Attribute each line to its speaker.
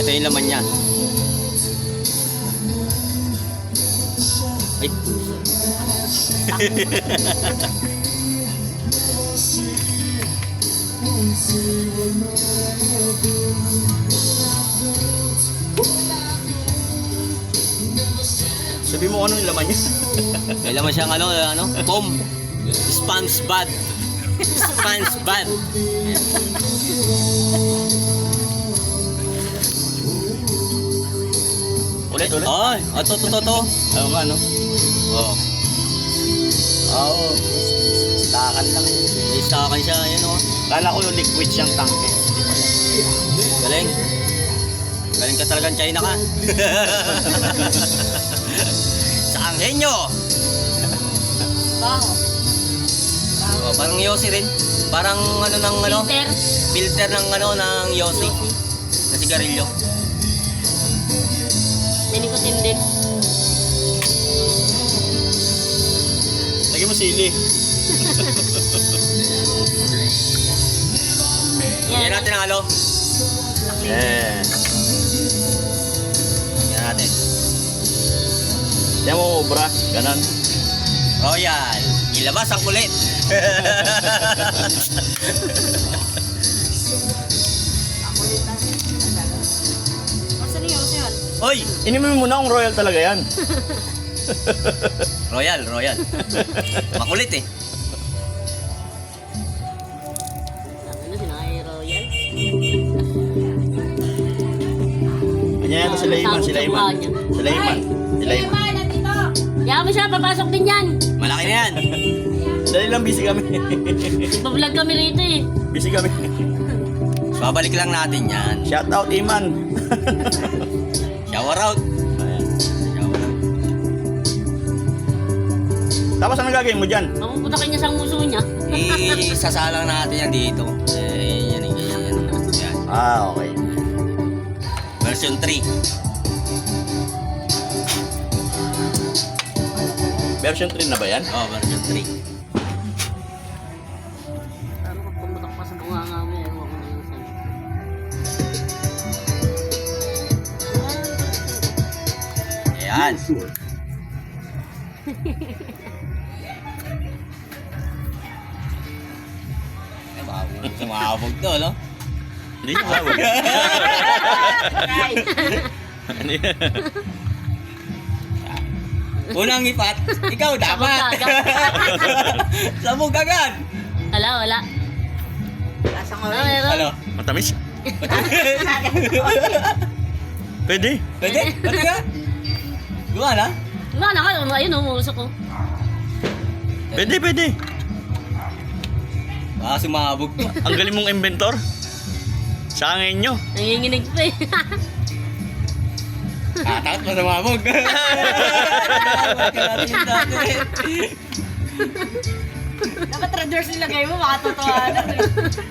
Speaker 1: Ito yung laman niya. Ay.
Speaker 2: Sabi mo ano yung laman niya?
Speaker 1: May laman siyang foam. Sponge bad. Sponge bad.
Speaker 2: Ulit.
Speaker 1: Ay, to.
Speaker 2: Ano nga, no?
Speaker 1: Oh.
Speaker 2: Oo. Stakan lang.
Speaker 1: May stakan siya, ayan oh.
Speaker 2: Kala ko yung liquid siyang tanke.
Speaker 1: Galing. Galing ka talagang China ka. Sa Anghenyo.
Speaker 3: Baho.
Speaker 1: Oh, parang Yossi rin. Parang
Speaker 3: Filter.
Speaker 1: filter ng ng Yossi. Na sigarilyo.
Speaker 3: May nicotine din.
Speaker 2: Lagyan mo sili.
Speaker 1: Yan natin ang
Speaker 2: Eh.
Speaker 1: Yan natin.
Speaker 2: Yan mo, bra. Ganon.
Speaker 1: Royal. Ilabas ang kulit.
Speaker 3: Masa niyo, sir?
Speaker 1: Oy!
Speaker 2: Inimin mo na kung royal talaga yan.
Speaker 1: Royal. Makulit eh.
Speaker 3: Ano, sinakay Royal?
Speaker 2: Ganyan yan sila Iman. Sila Iman.
Speaker 3: Kaya mo siya, papasok din yan.
Speaker 1: Malaki na yan.
Speaker 2: Dali lang, busy kami.
Speaker 3: Nagpa-vlog kami rito eh.
Speaker 2: Busy kami.
Speaker 1: Babalik lang natin yan.
Speaker 2: Shout out, Iman.
Speaker 1: Shower out.
Speaker 2: Ayan.
Speaker 1: Shower out.
Speaker 2: Tapos ano gagawin mo dyan?
Speaker 3: Mamuputakin niya sa muso niya.
Speaker 1: Isasalang natin yan dito. Yan.
Speaker 2: Ah, okay.
Speaker 1: Version 3.
Speaker 2: Version 3 na ba yan?
Speaker 1: Oh, version 3.
Speaker 3: Ano kung pumutak pa sa bunganga mo, ewan ko na yun sa'yo.
Speaker 1: Ayan. Sumabog to, no?
Speaker 2: Hindi siya sabog. Ano yan?
Speaker 1: Unang ipat, ikaw dapat. Sabog agad.
Speaker 3: Wala.
Speaker 4: Lasang
Speaker 3: Ano,
Speaker 4: orange.
Speaker 3: meron?
Speaker 1: Ano?
Speaker 2: Matamis? Pwede.
Speaker 1: Pwede? Pwede ka? Gawa na?
Speaker 3: Wala na kayo, ayun umuusok ko.
Speaker 2: Pwede.
Speaker 1: Baka sumabog to.
Speaker 2: Ang galing mong inventor. Sa angin nyo.
Speaker 3: Nanginginig pa eh.
Speaker 1: Tatakot pa sumabog.
Speaker 4: Dapat red doors nilagay mo, makatotohanan.